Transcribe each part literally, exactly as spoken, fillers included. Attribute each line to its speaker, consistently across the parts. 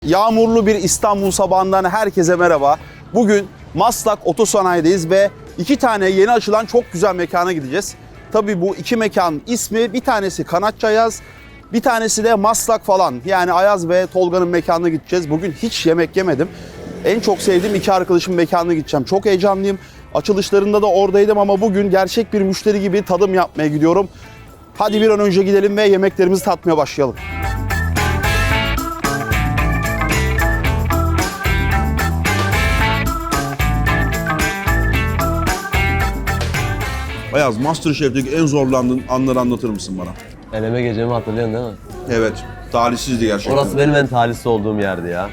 Speaker 1: Yağmurlu bir İstanbul sabahından herkese merhaba. Bugün Maslak Otosanayi'deyiz ve iki tane yeni açılan çok güzel mekana gideceğiz. Tabii bu iki mekanın ismi, bir tanesi Kanatçı Ayaz, bir tanesi de Maslak falan. Yani Ayaz ve Tolga'nın mekanına gideceğiz. Bugün hiç yemek yemedim. En çok sevdiğim iki arkadaşımın mekanına gideceğim. Çok heyecanlıyım. Açılışlarında da oradaydım ama bugün gerçek bir müşteri gibi tadım yapmaya gidiyorum. Hadi bir an önce gidelim ve yemeklerimizi tatmaya başlayalım. Ayaz, MasterChef'teki en zorlandığın anları anlatır mısın bana?
Speaker 2: Eleme gecemi hatırlıyorsun değil mi?
Speaker 1: Evet, talihsizdi gerçekten.
Speaker 2: Orası benim en talihsiz olduğum yerdi ya.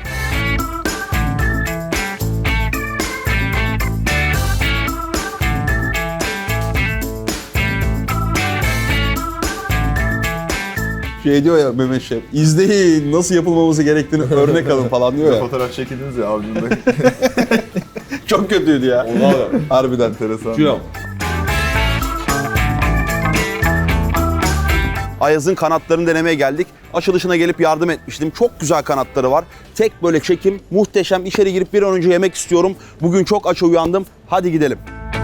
Speaker 1: Şey diyor ya Mehmet Şef, izleyin nasıl yapılmaması gerektiğini örnek alın falan diyor ya.
Speaker 3: Fotoğraf çekildiniz ya avcunda.
Speaker 1: Çok kötüydü ya. Harbiden.
Speaker 3: Enteresan.
Speaker 1: Şu Ayaz'ın kanatlarını denemeye geldik. Açılışına gelip yardım etmiştim. Çok güzel kanatları var. Tek böyle çekim, muhteşem. İçeri girip bir an önce yemek istiyorum. Bugün çok aç uyandım. Hadi gidelim.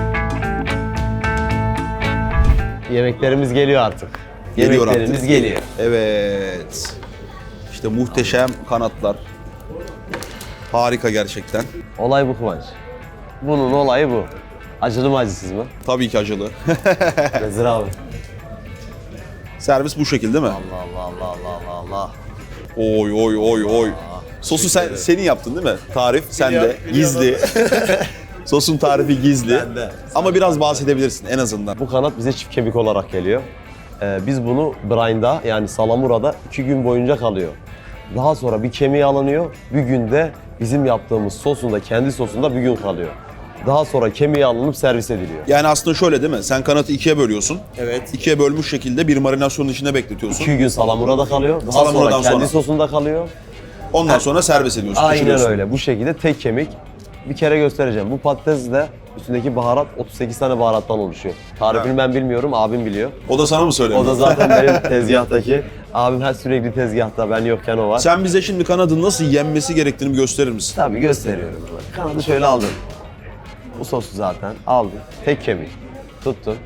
Speaker 2: Yemeklerimiz geliyor artık.
Speaker 1: Geliyor
Speaker 2: Yemeklerimiz
Speaker 1: artık.
Speaker 2: geliyor.
Speaker 1: Evet. İşte muhteşem kanatlar. Harika gerçekten.
Speaker 2: Olay bu Kıvanç. Bunun olayı bu. Acılı mı acısız mı?
Speaker 1: Tabii ki acılı.
Speaker 2: Nezir abi.
Speaker 1: Servis bu şekilde değil mi?
Speaker 2: Allah Allah Allah Allah Allah.
Speaker 1: Oy oy oy oy. Sosu sen senin yaptın değil mi? Tarif sende. Gizli. Sosun tarifi gizli.
Speaker 2: Bende.
Speaker 1: Ama biraz bahsedebilirsin en azından.
Speaker 2: Bu kanat bize çift kemik olarak geliyor. Ee, biz bunu brine'da yani salamurada iki gün boyunca kalıyor. Daha sonra bir kemiği alınıyor. Bir günde bizim yaptığımız sosunda, kendi sosunda bir gün kalıyor. Daha sonra kemiği alınıp servis ediliyor.
Speaker 1: Yani aslında şöyle değil mi? Sen kanatı ikiye bölüyorsun.
Speaker 2: Evet.
Speaker 1: İkiye bölmüş şekilde bir marinasyonun içinde bekletiyorsun.
Speaker 2: İki gün salamurada kalıyor. Daha
Speaker 1: Salamuradan
Speaker 2: sonra kendi
Speaker 1: sonra.
Speaker 2: sosunda kalıyor.
Speaker 1: Ondan sonra servis ediyorsun.
Speaker 2: Aynen
Speaker 1: pişiriyorsun.
Speaker 2: öyle. Bu şekilde tek kemik. Bir kere göstereceğim. Bu patatesle üstündeki baharat otuz sekiz tane baharattan oluşuyor. Tarifini ben bilmiyorum, abim biliyor.
Speaker 1: O da sana mı söyledi?
Speaker 2: O da zaten benim tezgahtaki. Abim her sürekli tezgahta, ben yokken o var.
Speaker 1: Sen bize şimdi kanadın nasıl yenmesi gerektiğini bir gösterir misin?
Speaker 2: Tabii gösteriyorum. Kanadı şöyle aldım. Bu sosu zaten aldım. Tek kemik. Tuttun.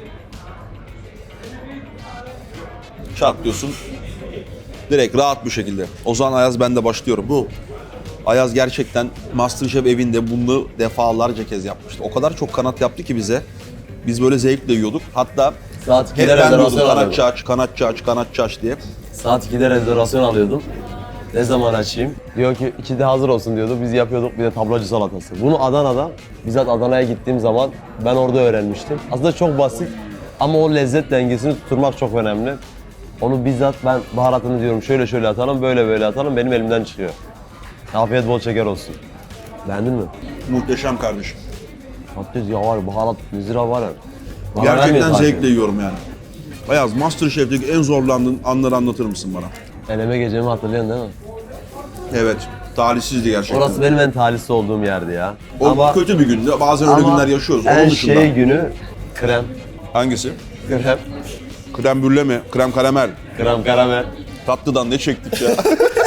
Speaker 1: Çat diyorsun. Direkt rahat bir şekilde. O zaman Ayaz ben de başlıyorum. Bu Ayaz gerçekten MasterChef evinde bunu defalarca kez yapmıştı. O kadar çok kanat yaptı ki bize. Biz böyle zevkle yiyorduk. Hatta
Speaker 2: Saat
Speaker 1: hep
Speaker 2: ikide
Speaker 1: ben diyordum
Speaker 2: rezervasyon
Speaker 1: kanatçı
Speaker 2: alıyordum.
Speaker 1: aç, kanatçı aç, kanatçı aç diye.
Speaker 2: Saat ikide rezervasyon alıyordum. Ne zaman açayım? Diyor ki ikide hazır olsun diyordu. Biz yapıyorduk bir de tablacı salatası. Bunu Adana'da, bizzat Adana'ya gittiğim zaman ben orada öğrenmiştim. Aslında çok basit ama o lezzet dengesini tutturmak çok önemli. Onu bizzat ben baharatını diyorum şöyle şöyle atalım, böyle böyle atalım, benim elimden çıkıyor. Afiyet bol şeker olsun. Beğendin mi?
Speaker 1: Muhteşem kardeşim.
Speaker 2: Patates ya var, baharat, nezira var ya. Bana
Speaker 1: Gerçekten
Speaker 2: vermeyin
Speaker 1: zevkle
Speaker 2: tarifi.
Speaker 1: yiyorum yani. Ayaz, MasterChef'teki en zorlandığın anları anlatır mısın bana?
Speaker 2: Eleme gecemi hatırlıyorsun değil mi?
Speaker 1: Evet, talihsizdi gerçekten.
Speaker 2: Orası benim en talihsiz olduğum yerdi ya.
Speaker 1: O
Speaker 2: ama
Speaker 1: kötü bir gündü. Bazen öyle
Speaker 2: ama
Speaker 1: günler yaşıyoruz.
Speaker 2: en
Speaker 1: Onun dışında.
Speaker 2: şey günü krem.
Speaker 1: Hangisi?
Speaker 2: Krem.
Speaker 1: Krem brüle mi? Krem karamel.
Speaker 2: Krem karamel.
Speaker 1: Tatlıdan ne çektik ya.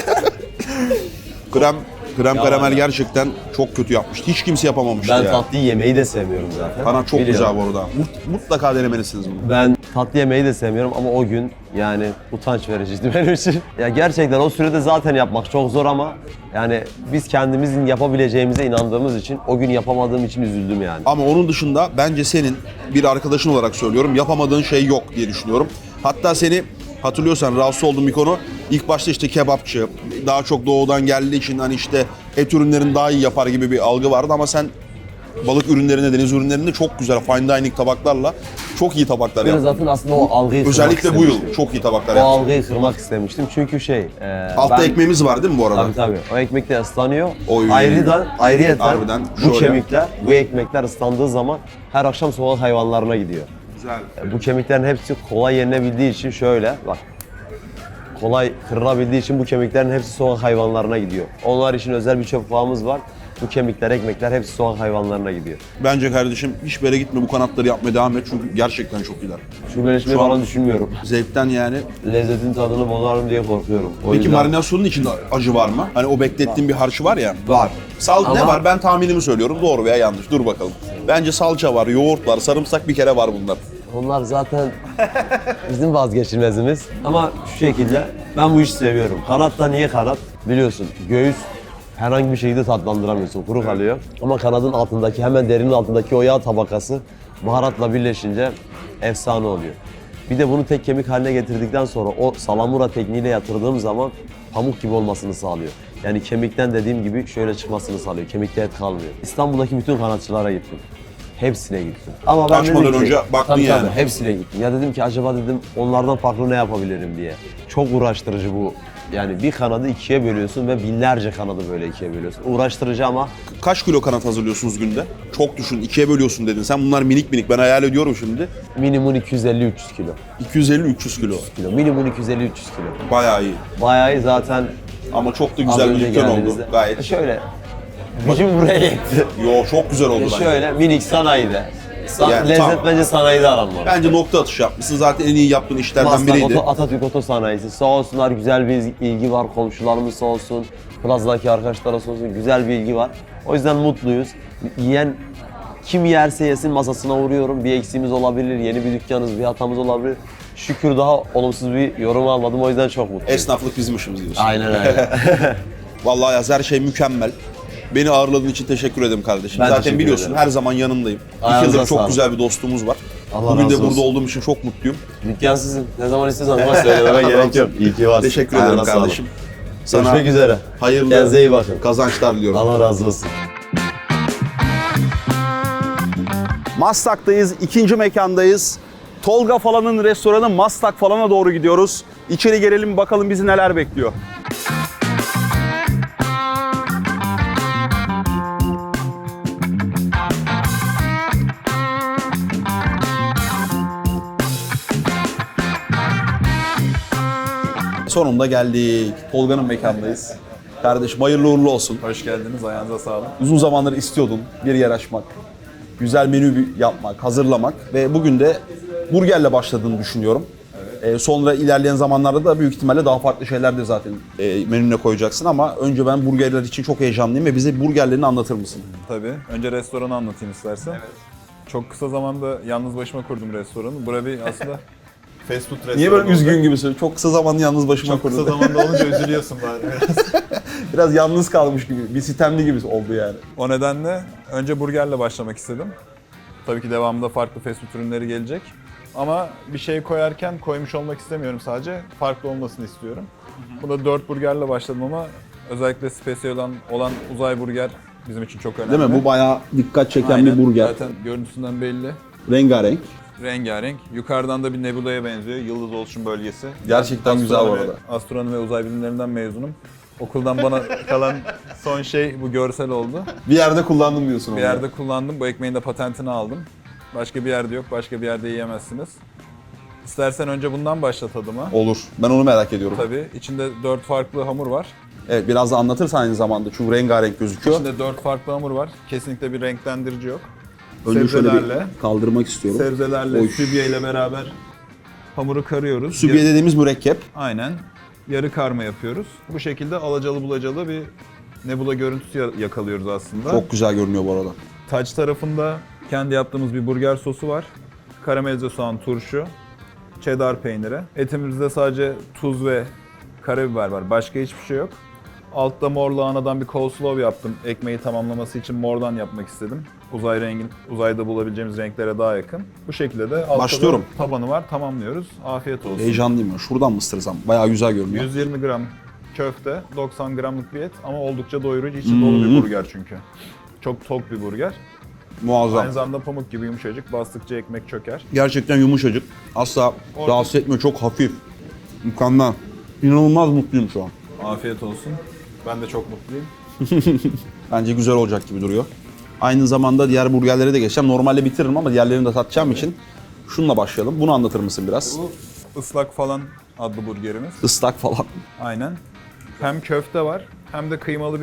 Speaker 1: krem krem
Speaker 2: Ya
Speaker 1: karamel
Speaker 2: ya.
Speaker 1: gerçekten çok kötü yapmıştı. Hiç kimse yapamamıştı
Speaker 2: Ben
Speaker 1: ya.
Speaker 2: tatlı yemeği de sevmiyorum zaten.
Speaker 1: Bana çok
Speaker 2: Biliyorum.
Speaker 1: güzel bu arada. Mut- mutlaka denemelisiniz bunu.
Speaker 2: Ben tatlı yemeği de sevmiyorum ama o gün yani utanç vericiydi benim için. Ya gerçekten o sürede zaten yapmak çok zor ama yani biz kendimizin yapabileceğimize inandığımız için o gün yapamadığım için üzüldüm yani.
Speaker 1: Ama onun dışında bence senin bir arkadaşın olarak söylüyorum yapamadığın şey yok diye düşünüyorum. Hatta seni hatırlıyorsan rahatsız olduğum bir konu ilk başta işte kebapçı, daha çok doğudan geldiği için hani işte et ürünlerini daha iyi yapar gibi bir algı vardı ama sen balık ürünlerinde, deniz ürünlerinde çok güzel fine dining tabaklarla çok iyi tabaklar
Speaker 2: Ben
Speaker 1: yaptın.
Speaker 2: zaten aslında o algıyı kırmak
Speaker 1: Özellikle bu
Speaker 2: istemiştim.
Speaker 1: yıl çok iyi tabaklar
Speaker 2: O
Speaker 1: yaptın.
Speaker 2: algıyı kırmak istemiştim çünkü şey... E,
Speaker 1: Altta
Speaker 2: ben-
Speaker 1: ekmeğimiz var değil mi bu arada?
Speaker 2: Tabii tabii. O ekmek de ıslanıyor.
Speaker 1: Oy.
Speaker 2: Ayrıdan, ayrıyeten
Speaker 1: Harbiden
Speaker 2: bu
Speaker 1: şöyle.
Speaker 2: kemikler, bu ekmekler ıslandığı zaman her akşam sokak hayvanlarına gidiyor.
Speaker 1: Güzel.
Speaker 2: E, Bu kemiklerin hepsi kolay yenilebildiği için şöyle bak. Kolay kırılabildiği için bu kemiklerin hepsi sokak hayvanlarına gidiyor. Onlar için özel bir çöp bağımız var. Bu kemikler, ekmekler hepsi sokak hayvanlarına gidiyor.
Speaker 1: Bence kardeşim hiçbir yere gitme, bu kanatları yapmaya devam et çünkü gerçekten çok iyiler.
Speaker 2: Şubeleşmeyi
Speaker 1: Şu an-
Speaker 2: falan düşünmüyorum.
Speaker 1: Zevkten yani.
Speaker 2: Lezzetin tadını bozarım diye korkuyorum. O
Speaker 1: Peki
Speaker 2: yüzden-
Speaker 1: marinasyonun içinde acı var mı? Hani o beklettiğin bir harcı var ya. Var. Sal ne
Speaker 2: Ama-
Speaker 1: var? Ben tahminimi söylüyorum. Doğru veya yanlış. Dur bakalım. Bence salça var, yoğurt var, sarımsak bir kere var bunlar.
Speaker 2: Onlar zaten bizim vazgeçilmezimiz. Ama şu şekilde ben bu işi seviyorum. Kanat da niye kanat? Biliyorsun göğüs herhangi bir şekilde tatlandıramıyorsun. Kuru kalıyor. Ama kanadın altındaki hemen derinin altındaki o yağ tabakası baharatla birleşince efsane oluyor. Bir de bunu tek kemik haline getirdikten sonra o salamura tekniğiyle yatırdığım zaman pamuk gibi olmasını sağlıyor. Yani kemikten dediğim gibi şöyle çıkmasını sağlıyor. Kemikte et kalmıyor. İstanbul'daki bütün kanatçılara gittim. Hepsine gittim. Ama ben
Speaker 1: Açmadan
Speaker 2: dedim ki,
Speaker 1: önce baktın
Speaker 2: tabii,
Speaker 1: yani.
Speaker 2: tabii, hepsine gittim. Ya dedim ki acaba dedim onlardan farklı ne yapabilirim diye. Çok uğraştırıcı bu. Yani bir kanadı ikiye bölüyorsun ve binlerce kanadı böyle ikiye bölüyorsun. Uğraştırıcı ama
Speaker 1: Kaç kilo kanat hazırlıyorsunuz günde? Çok düşün, ikiye bölüyorsun dedin. Sen bunlar minik minik, ben hayal ediyorum şimdi.
Speaker 2: minimum iki yüz elli üç yüz kilo.
Speaker 1: iki yüz elli üç yüz kilo.
Speaker 2: kilo. Minimum iki yüz elli üç yüz kilo.
Speaker 1: Bayağı iyi.
Speaker 2: Bayağı iyi zaten
Speaker 1: Ama çok da
Speaker 2: az
Speaker 1: güzel bir
Speaker 2: önce
Speaker 1: dükkan oldu.
Speaker 2: geldiğinizde.
Speaker 1: Gayet.
Speaker 2: Şöyle, gücüm buraya yetti.
Speaker 1: Yo, çok güzel oldu
Speaker 2: E
Speaker 1: bence.
Speaker 2: şöyle minik sanayide. Sa-
Speaker 1: Yani
Speaker 2: lezzet
Speaker 1: tamam.
Speaker 2: bence sanayide aranmalı.
Speaker 1: Bence nokta atışı yapmışsın. Zaten en iyi yaptığın işlerden
Speaker 2: Maslak
Speaker 1: biriydi.
Speaker 2: Oto, Atatürk Oto Sanayisi. Sağ olsunlar güzel bir ilgi var. Komşularımız sağ olsun. Plaza'daki arkadaşlara sağ olsun. Güzel bir ilgi var. O yüzden mutluyuz. Yiyen kim yerse yesin masasına uğruyorum. Bir eksiğimiz olabilir, yeni bir dükkanımız, bir hatamız olabilir. Şükür daha olumsuz bir yorum almadım. O yüzden çok mutluyum.
Speaker 1: Esnaflık bizim işimiz diyorsun.
Speaker 2: Aynen öyle.
Speaker 1: Vallahi Yaz, her şey mükemmel. Beni ağırladığın için teşekkür ederim kardeşim.
Speaker 2: Ben
Speaker 1: Zaten
Speaker 2: teşekkür
Speaker 1: biliyorsun
Speaker 2: ederim.
Speaker 1: her zaman yanındayım. İki
Speaker 2: Ayağınıza
Speaker 1: yıldır çok
Speaker 2: sağlık.
Speaker 1: güzel bir dostluğumuz var.
Speaker 2: Allah
Speaker 1: Bugün de
Speaker 2: razı
Speaker 1: burada
Speaker 2: olsun.
Speaker 1: olduğum için çok mutluyum.
Speaker 2: Dükkan sizin. Ne zaman istiyorsanız bana söylememe gerek yok. İyi ki varsın.
Speaker 1: Teşekkür ederim
Speaker 2: Ayağına sağlık.
Speaker 1: kardeşim. Sana
Speaker 2: Görüşmek üzere.
Speaker 1: hayırlı
Speaker 2: Kendinize iyi bakın.
Speaker 1: kazançlar diliyorum.
Speaker 2: Allah razı olsun.
Speaker 1: Maslak'tayız, ikinci mekandayız. Tolga falanın restoranı Maslak falana doğru gidiyoruz. İçeri girelim bakalım bizi neler bekliyor. Sonunda geldik. Tolga'nın mekandayız. Kardeşim hayırlı uğurlu olsun.
Speaker 3: Hoş geldiniz, ayağınıza sağlık.
Speaker 1: Uzun zamandır istiyordun bir yer açmak, güzel menü bir- yapmak, hazırlamak ve bugün de burgerle başladığını düşünüyorum. Ee, sonra ilerleyen zamanlarda da büyük ihtimalle daha farklı şeyler de zaten e, menüne koyacaksın ama önce ben burgerler için çok heyecanlıyım ve bize burgerlerini anlatır mısın?
Speaker 3: Tabii. Önce restoranı anlatayım istersen. Çok kısa zamanda yalnız başıma kurdum restoranı. Burası bir aslında fast food restoranı.
Speaker 1: Niye böyle
Speaker 3: oldu.
Speaker 1: üzgün gibisin? Çok kısa zamanda yalnız başıma
Speaker 3: Çok kısa
Speaker 1: kurdum.
Speaker 3: zamanda olunca üzülüyorsun bari.
Speaker 1: Biraz yalnız kalmış gibi, bir sitemli gibi oldu yani.
Speaker 3: O nedenle önce burgerle başlamak istedim. Tabii ki devamında farklı fast food ürünleri gelecek. Ama bir şey koyarken koymuş olmak istemiyorum sadece. Farklı olmasını istiyorum. Bunda dört burgerle başladım ama özellikle spesiyel olan, olan uzay burger bizim için çok önemli.
Speaker 1: Değil mi? Bu bayağı dikkat çeken
Speaker 3: Aynen.
Speaker 1: bir burger.
Speaker 3: Zaten görüntüsünden belli.
Speaker 1: Rengarenk.
Speaker 3: Rengarenk. Yukarıdan da bir nebulaya benziyor. Yıldız oluşum bölgesi.
Speaker 1: Gerçekten
Speaker 3: Ben
Speaker 1: güzel bu
Speaker 3: astronomi-
Speaker 1: arada.
Speaker 3: Astronomi ve uzay bilimlerinden mezunum. Okuldan bana kalan son şey bu görsel oldu.
Speaker 1: Bir yerde kullandım diyorsun
Speaker 3: Bir
Speaker 1: onu.
Speaker 3: yerde kullandım. Bu ekmeğin de patentini aldım. Başka bir yerde yok. Başka bir yerde yiyemezsiniz. İstersen önce bundan başla tadıma.
Speaker 1: Olur. Ben onu merak ediyorum.
Speaker 3: Tabii. İçinde dört farklı hamur var.
Speaker 1: Evet, biraz da anlatırsan aynı zamanda çünkü rengarenk gözüküyor.
Speaker 3: İçinde dört farklı hamur var. Kesinlikle bir renklendirici yok.
Speaker 1: Önce şöyle bir
Speaker 3: sebzelerle,
Speaker 1: kaldırmak istiyorum.
Speaker 3: sebzelerle,
Speaker 1: Oy.
Speaker 3: sübye ile beraber hamuru karıyoruz.
Speaker 1: Sübye dediğimiz mürekkep.
Speaker 3: Aynen. Yarı karma yapıyoruz. Bu şekilde alacalı bulacalı bir nebula görüntüsü ya- yakalıyoruz aslında.
Speaker 1: Çok güzel görünüyor bu arada.
Speaker 3: Taç tarafında kendi yaptığımız bir burger sosu var. Karamelize soğan, turşu, cheddar peyniri. Etimizde sadece tuz ve karabiber var. Başka hiçbir şey yok. Altta mor lahanadan bir coleslaw yaptım. Ekmeği tamamlaması için mordan yapmak istedim. Uzay rengin, uzayda bulabileceğimiz renklere daha yakın. Bu şekilde de altta
Speaker 1: Başlıyorum.
Speaker 3: da tabanı var. Tamamlıyoruz. Afiyet olsun.
Speaker 1: Heyecanlıyım ya. Şuradan mı ısırsam? Bayağı güzel görünüyor.
Speaker 3: yüz yirmi gram köfte, doksan gramlık bir et ama oldukça doyurucu, içi dolu bir burger çünkü. Çok tok bir burger.
Speaker 1: Muazzam.
Speaker 3: Aynı zamanda pamuk gibi yumuşacık, bastıkça ekmek çöker.
Speaker 1: Gerçekten yumuşacık. Asla
Speaker 3: Orada-
Speaker 1: rahatsız etmiyor. Çok hafif. Mükemmel. İnanılmaz mutluyum şu an.
Speaker 3: Afiyet olsun. Ben de çok mutluyum.
Speaker 1: Bence güzel olacak gibi duruyor. Aynı zamanda diğer burgerlere de geçeceğim. Normalde bitiririm ama diğerlerini de tatacağım için şununla başlayalım. Bunu anlatır mısın biraz?
Speaker 3: Bu ıslak falan adlı burgerimiz.
Speaker 1: Islak falan.
Speaker 3: Aynen. Hem köfte var hem de kıymalı bir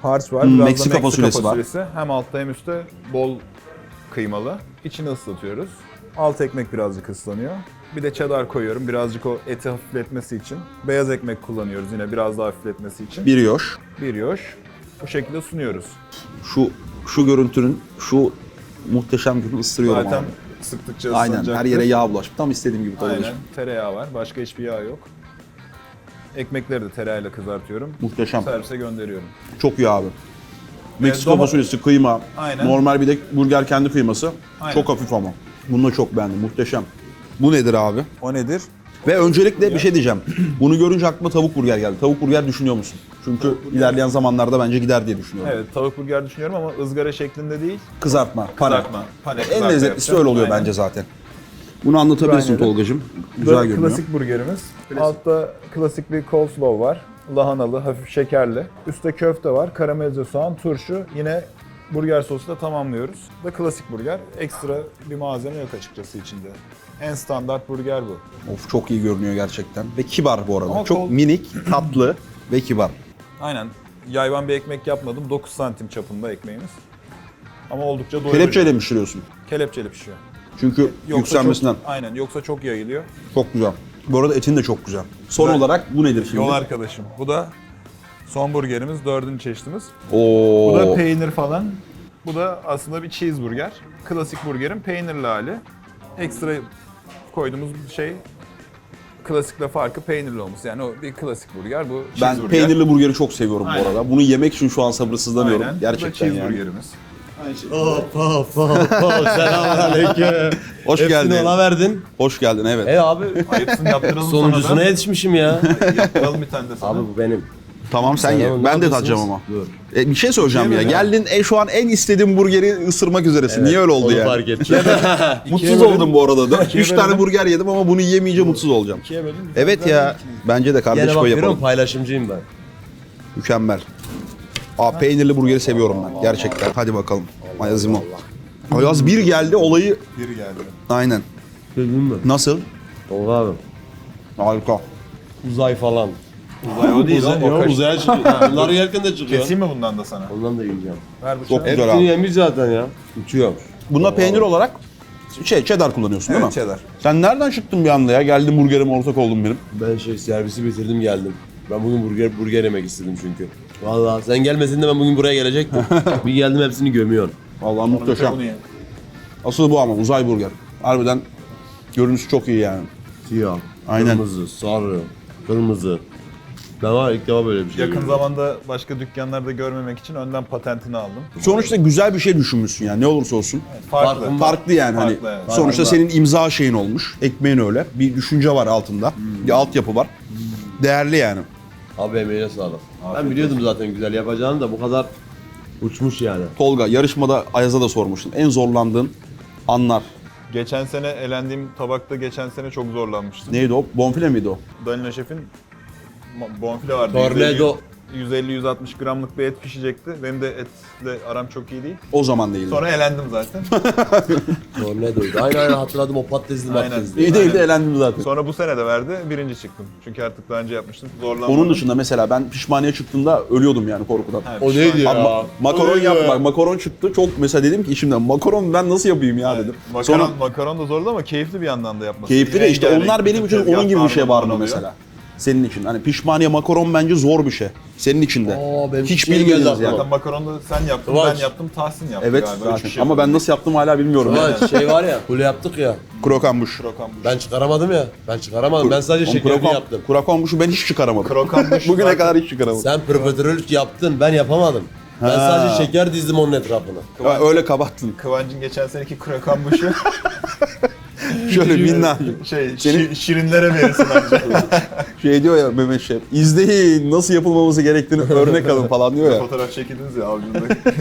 Speaker 3: harç var.
Speaker 1: Hmm,
Speaker 3: Biraz
Speaker 1: Meksika
Speaker 3: da Meksika
Speaker 1: fasulyesi var.
Speaker 3: fasulyesi. Hem altta hem üstte bol kıymalı. İçini ıslatıyoruz. Alt ekmek birazcık ıslanıyor. Bir de cheddar koyuyorum birazcık o eti hafifletmesi için. Beyaz ekmek kullanıyoruz yine biraz daha hafifletmesi için.
Speaker 1: Bir yoş.
Speaker 3: Bir yoş. Bu şekilde sunuyoruz.
Speaker 1: Şu şu görüntünün şu muhteşem günü ısırıyorum
Speaker 3: Zaten
Speaker 1: abi.
Speaker 3: sıktıkça
Speaker 1: Aynen
Speaker 3: ıslanacaktır.
Speaker 1: her yere yağ bulaşmış. Tam istediğim gibi
Speaker 3: Aynen.
Speaker 1: Tolga'cığım.
Speaker 3: Tereyağı var. Başka hiçbir yağ yok. Ekmekleri de tereyağıyla kızartıyorum.
Speaker 1: Muhteşem.
Speaker 3: Servise gönderiyorum.
Speaker 1: Çok iyi abi. Meksika
Speaker 3: doma-
Speaker 1: fasulyesi, kıyma,
Speaker 3: Aynen.
Speaker 1: normal bir de burger kendi kıyması.
Speaker 3: Aynen.
Speaker 1: Çok hafif ama. Bunu da çok beğendim, muhteşem. Bu nedir abi?
Speaker 3: O nedir?
Speaker 1: Ve öncelikle bir şey diyeceğim. Bunu görünce aklıma tavuk burger geldi. Tavuk burger düşünüyor musun? Çünkü ilerleyen zamanlarda bence gider diye düşünüyorum.
Speaker 3: Evet, tavuk burger düşünüyorum ama ızgara şeklinde değil.
Speaker 1: Kızartma, pane.
Speaker 3: Kızartma. Pane
Speaker 1: En
Speaker 3: kızartma
Speaker 1: lezzetlisi
Speaker 3: yapacağım.
Speaker 1: öyle oluyor
Speaker 3: Aynen.
Speaker 1: bence zaten. Bunu anlatabilirsin
Speaker 3: Aynen.
Speaker 1: Tolga'cığım.
Speaker 3: Bu
Speaker 1: Güzel
Speaker 3: da
Speaker 1: görünüyor.
Speaker 3: klasik burgerimiz. Altta klasik bir coleslaw var. Lahanalı, hafif şekerli. Üstte köfte var, karamelize soğan, turşu. Yine burger sosu da tamamlıyoruz. Bu da klasik burger. Ekstra bir malzeme yok açıkçası içinde. En standart burger bu.
Speaker 1: Of çok iyi görünüyor gerçekten. Ve kibar bu arada.
Speaker 3: Ama
Speaker 1: çok
Speaker 3: kol-
Speaker 1: minik, tatlı ve kibar.
Speaker 3: Aynen. Yayvan bir ekmek yapmadım. dokuz santim çapında ekmeğimiz. Ama oldukça doyurucu.
Speaker 1: Kelepçeyle mi pişiriyorsun?
Speaker 3: Kelepçeli pişiyor.
Speaker 1: Çünkü
Speaker 3: Yoksa
Speaker 1: yükselmesinden.
Speaker 3: Çok, aynen. Yoksa çok yayılıyor.
Speaker 1: Çok güzel. Bu arada etin de çok güzel. Son
Speaker 3: Güzel.
Speaker 1: olarak bu nedir şimdi?
Speaker 3: Yol arkadaşım. Bu da son burgerimiz. Dördüncü çeşitimiz.
Speaker 1: Oo.
Speaker 3: Bu da peynir falan. Bu da aslında bir cheeseburger. Klasik burgerin peynirli hali. Ekstra koyduğumuz şey klasikle farkı peynirli olması. Yani o bir klasik burger, bu
Speaker 1: Ben
Speaker 3: cheeseburger.
Speaker 1: peynirli burgeri çok seviyorum
Speaker 3: Aynen.
Speaker 1: bu arada. Bunu yemek için şu an sabırsızlanıyorum.
Speaker 3: Aynen.
Speaker 1: Gerçekten
Speaker 3: bu da
Speaker 1: yani.
Speaker 3: cheeseburgerimiz.
Speaker 2: Hop hop hop hop. Selamünaleyküm.
Speaker 1: Hoş
Speaker 2: Hepsini
Speaker 1: geldin.
Speaker 2: ona verdin.
Speaker 1: Hoş geldin evet.
Speaker 2: E abi
Speaker 3: Hepsini yaptıralım
Speaker 2: sonuncusuna
Speaker 3: sana da.
Speaker 2: yetişmişim ya.
Speaker 3: Yaptıralım bir tane de sana.
Speaker 2: Abi bu benim.
Speaker 1: Tamam sen ye.
Speaker 2: Selam,
Speaker 1: Ben de
Speaker 2: ne
Speaker 1: tadacağım
Speaker 2: yapıyorsunuz?
Speaker 1: ama.
Speaker 2: Dur.
Speaker 1: E, bir şey söyleyeceğim ya.
Speaker 3: İkiye böl ya.
Speaker 1: Geldin e, şu an en istediğim burgeri ısırmak üzeresin. Niye öyle oldu
Speaker 2: Onu
Speaker 1: yani?
Speaker 2: fark ettim.
Speaker 1: Mutsuz oldum bu arada. Dört- Üç tane
Speaker 3: bölelim.
Speaker 1: burger yedim ama bunu yiyemeyince mutsuz olacağım.
Speaker 3: İkiye bölün.
Speaker 1: Evet ya. Bence de kardeş
Speaker 2: Yine
Speaker 1: payı
Speaker 2: bakıyorum
Speaker 1: yapalım.
Speaker 2: paylaşımcıyım ben.
Speaker 1: Mükemmel. Aa peynirli burgeri seviyorum ben gerçekten. Hadi bakalım. Ayazimo. Ayaz bir geldi olayı.
Speaker 3: Bir geldi.
Speaker 1: Aynen.
Speaker 2: Gördün mü?
Speaker 1: Nasıl?
Speaker 2: Tolga abi.
Speaker 1: Harika.
Speaker 2: Uzay falan.
Speaker 3: Uzay o değil
Speaker 2: Uzay,
Speaker 3: o. o
Speaker 2: yok,
Speaker 3: kaş-
Speaker 2: uzaya çıkıyor. Bunları yerken de çıkıyor.
Speaker 3: Keseyim mi bundan da sana?
Speaker 2: Ondan da yiyeceğim.
Speaker 3: Ver bıçağı.
Speaker 1: Çok güzel
Speaker 2: Hepsini
Speaker 1: abi.
Speaker 2: yemiş zaten ya. Uçuyor.
Speaker 1: Bunda peynir olarak şey cheddar kullanıyorsun değil
Speaker 3: Evet,
Speaker 1: mi?
Speaker 3: cheddar.
Speaker 1: Sen nereden çıktın bir anda ya? Geldin burgerime ortak oldun benim.
Speaker 2: Ben şey servisi bitirdim geldim. Ben bugün burger burger yemek istedim çünkü. Vallahi sen gelmesin de ben bugün buraya gelecektim. Bir geldim hepsini gömüyorsun.
Speaker 1: Vallahi
Speaker 3: Bir de
Speaker 1: muhteşem.
Speaker 3: bunu ye.
Speaker 1: Asıl bu ama uzay burger. Harbiden görünüşü çok iyi yani.
Speaker 2: Siyah,
Speaker 1: Aynen.
Speaker 2: kırmızı, sarı, kırmızı. Ben var ilk defa böyle bir şey
Speaker 3: Yakın
Speaker 2: gördüm.
Speaker 3: zamanda başka dükkanlarda görmemek için önden patentini aldım.
Speaker 1: Sonuçta güzel bir şey düşünmüşsün yani ne olursa olsun.
Speaker 3: Farklı.
Speaker 2: Farkın-
Speaker 1: Farklı yani hani.
Speaker 3: Farklı, evet.
Speaker 1: Sonuçta
Speaker 2: Farklı.
Speaker 1: senin imza şeyin olmuş. Ekmeğin öyle. Bir düşünce var altında. Bir altyapı var. Değerli yani.
Speaker 2: Abi emeğine sağlık.
Speaker 3: Afiyet
Speaker 2: Ben biliyordum zaten güzel yapacağını da bu kadar uçmuş yani.
Speaker 1: Tolga yarışmada Ayaz'a da sormuştum. En zorlandığın anlar.
Speaker 3: Geçen sene elendiğim tabakta geçen sene çok zorlanmıştım.
Speaker 1: Neydi o? Bonfile miydi o?
Speaker 3: Danilo Şef'in ma- bonfile vardı.
Speaker 2: Tornado.
Speaker 3: yüz elli yüz altmış gramlık bir et pişecekti. Benim de etle aram çok iyi değil.
Speaker 1: O zaman değildi.
Speaker 3: Sonra elendim zaten.
Speaker 2: Tornado'ydu. Aynen aynen hatırladım o patatesli
Speaker 3: Aynen.
Speaker 2: patatesli.
Speaker 1: İyi değildi
Speaker 3: Aynen.
Speaker 1: elendim zaten.
Speaker 3: Sonra bu sene de verdi, birinci çıktım. Çünkü artık daha önce yapmıştım, zorlanmadım.
Speaker 1: Onun dışında mesela ben pişmaniye çıktığımda ölüyordum yani korkudan.
Speaker 3: Ha,
Speaker 2: O
Speaker 3: pişman-
Speaker 2: neydi ya?
Speaker 1: Abi, ma- makaron
Speaker 2: O neydi
Speaker 1: yaptım
Speaker 2: ya?
Speaker 1: bak makaron çıktı çok mesela dedim ki içimden makaron ben nasıl yapayım ya dedim.
Speaker 3: Makaron,
Speaker 1: Sonra
Speaker 3: makaron da zordu ama keyifli bir yandan da yapması.
Speaker 1: keyifli de işte
Speaker 3: Rengarenk,
Speaker 1: onlar benim için
Speaker 3: tezgah
Speaker 1: onun gibi bir şey
Speaker 3: darmaduman
Speaker 1: var mı
Speaker 3: oluyor.
Speaker 1: mesela? Senin için. Hani pişmaniye makaron bence zor bir şey. Senin için de.
Speaker 2: Aa, benim
Speaker 1: Hiç
Speaker 2: şey geldi
Speaker 1: bilmediniz
Speaker 2: aklıma.
Speaker 1: yani.
Speaker 3: Zaten makaronu da sen yaptın,
Speaker 2: Kıvanç.
Speaker 3: ben yaptım, Tahsin yaptı
Speaker 1: Evet
Speaker 3: galiba.
Speaker 1: zaten.
Speaker 3: Üç kişi
Speaker 1: Ama ben
Speaker 3: yapıldı.
Speaker 1: nasıl yaptım hala bilmiyorum. yani.
Speaker 2: Ulan şey var ya, kule yaptık ya.
Speaker 1: Krokambuş.
Speaker 3: Krokan bu.
Speaker 2: Ben çıkaramadım ya. Ben çıkaramadım. Ben sadece şekerini yaptım.
Speaker 1: Krokamuşu ben hiç çıkaramadım.
Speaker 3: Krokan bu.
Speaker 1: Bugüne
Speaker 3: zaten-
Speaker 1: kadar hiç çıkaramadım.
Speaker 2: Sen profiterolük yaptın, ben yapamadım. Ben
Speaker 1: Ha.
Speaker 2: sadece şeker dizdim onun etrafına.
Speaker 1: Ha, öyle kabattın.
Speaker 3: Kıvancın geçen seneki krokan buşu
Speaker 1: Şöyle minnak.
Speaker 3: şey,
Speaker 1: Senin-
Speaker 3: şi- şirinlere verirsin bence.
Speaker 1: Şey diyor ya Mehmet Şef. İzleyin nasıl yapılmaması gerektiğini örnek alın falan diyor ya.
Speaker 3: Fotoğraf çekildiniz ya avucunda.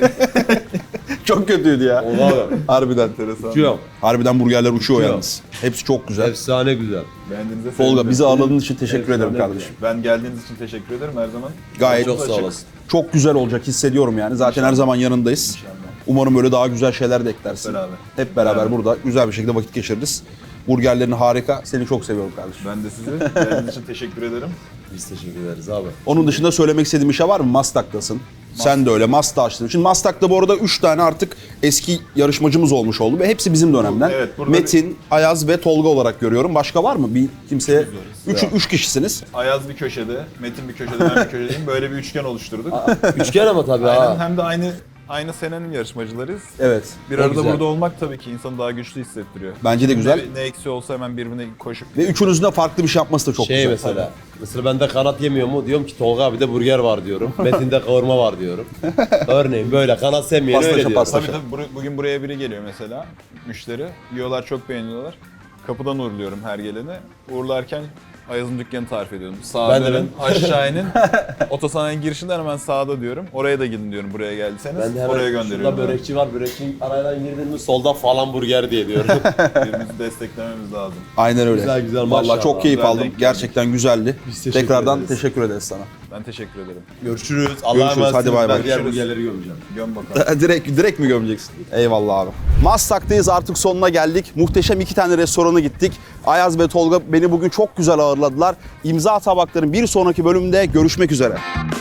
Speaker 1: Çok kötüydü ya.
Speaker 2: Oha be.
Speaker 1: Harbiden.
Speaker 3: Enteresan.
Speaker 2: Uçuyor.
Speaker 1: Harbiden burgerler uçuyor
Speaker 2: Uçuyor.
Speaker 1: yalnız. Hepsi çok güzel.
Speaker 2: Efsane güzel.
Speaker 3: Beğendiğinize
Speaker 1: Tolga
Speaker 3: sevindim.
Speaker 1: bizi ağırladığın için teşekkür
Speaker 2: Efsane
Speaker 1: ederim
Speaker 2: güzel.
Speaker 1: kardeşim.
Speaker 3: Ben geldiğiniz için teşekkür ederim her zaman.
Speaker 1: Gayet
Speaker 2: Çok sağ
Speaker 3: açık.
Speaker 2: olasın.
Speaker 1: çok güzel olacak hissediyorum yani. Zaten her zaman yanındayız.
Speaker 3: İnşallah.
Speaker 1: Umarım böyle daha güzel şeyler de eklersin.
Speaker 3: Beraber.
Speaker 1: Hep beraber
Speaker 3: Beraber.
Speaker 1: burada güzel bir şekilde vakit geçiririz. Burgerlerin harika. Seni çok seviyorum kardeşim.
Speaker 3: Ben de size geldiğiniz için teşekkür ederim.
Speaker 2: Biz teşekkür ederiz abi.
Speaker 1: Onun dışında söylemek istediğim bir şey var mı? Maslak'tasın. Sen de öyle. Maslak'ta açtın. Şimdi Maslak'ta bu arada üç tane artık eski yarışmacımız olmuş oldu ve hepsi bizim dönemden.
Speaker 3: Evet, burada
Speaker 1: Metin, Ayaz ve Tolga olarak görüyorum. Başka var mı? Bir kimseye üç, üç kişisiniz.
Speaker 3: Ayaz bir köşede, Metin bir köşede, ben bir köşedeyim. Böyle bir üçgen oluşturduk.
Speaker 2: Üçgen ama tabii
Speaker 3: Aynen,
Speaker 2: ha.
Speaker 3: hem de aynı aynı senenin yarışmacılarıyız.
Speaker 1: Evet.
Speaker 3: Bir
Speaker 2: O
Speaker 3: arada
Speaker 2: güzel.
Speaker 3: burada olmak tabii ki insanı daha güçlü hissettiriyor.
Speaker 1: Bence de güzel.
Speaker 3: Ne, ne eksi olsa hemen birbirine koşup
Speaker 1: Ve üçünüzün de farklı bir şey yapması da çok
Speaker 2: Şey
Speaker 1: güzel.
Speaker 2: mesela, mesela ben de kanat yemiyor mu? Diyorum ki Tolga abi de burger var diyorum. Metin'de kavurma var diyorum. Örneğin böyle kanat sevmeyen
Speaker 1: Pastaşa,
Speaker 2: öyle diyorum.
Speaker 1: pastaşa.
Speaker 3: Tabii tabii bur- bugün buraya biri geliyor mesela, müşteri. Yiyorlar, çok beğeniyorlar. Kapıdan uğurluyorum her geleni. Uğurlarken Ayaz'ın dükkanı tarif ediyorum. Sağa
Speaker 2: Ben de
Speaker 3: dönün, aşağı inin. Otosanayi girişinden hemen sağda diyorum. Oraya da gidin diyorum, buraya geldiyseniz.
Speaker 2: Ben de hemen
Speaker 3: Oraya
Speaker 2: şurada
Speaker 3: gönderiyorum.
Speaker 2: börekçi var, börekçi aradan girdin mi solda falan burger diye diyorum.
Speaker 3: Birbirimizi desteklememiz lazım.
Speaker 1: Aynen öyle.
Speaker 2: Güzel, güzel,
Speaker 1: Vallahi
Speaker 2: maşallah.
Speaker 1: çok keyif
Speaker 3: Güzel
Speaker 1: aldım.
Speaker 3: denk geldik.
Speaker 1: Gerçekten güzeldi.
Speaker 2: Biz teşekkür
Speaker 1: Tekrardan
Speaker 2: ederiz.
Speaker 1: teşekkür ederiz sana.
Speaker 3: Ben teşekkür ederim.
Speaker 2: Görüşürüz. Allah'a
Speaker 1: Görüşürüz,
Speaker 2: emanet
Speaker 1: hadi
Speaker 2: olun.
Speaker 1: bay bay.
Speaker 2: Ben diğer
Speaker 3: Görüşürüz.
Speaker 2: burgerleri gömeceğim.
Speaker 3: Göm bakalım.
Speaker 1: direkt direkt mi gömeceksin? Eyvallah abi. Maslak'tayız, artık sonuna geldik. Muhteşem iki tane restorana gittik. Ayaz ve Tolga beni bugün çok güzel ağırladılar. İmza Tabakların bir sonraki bölümde görüşmek üzere.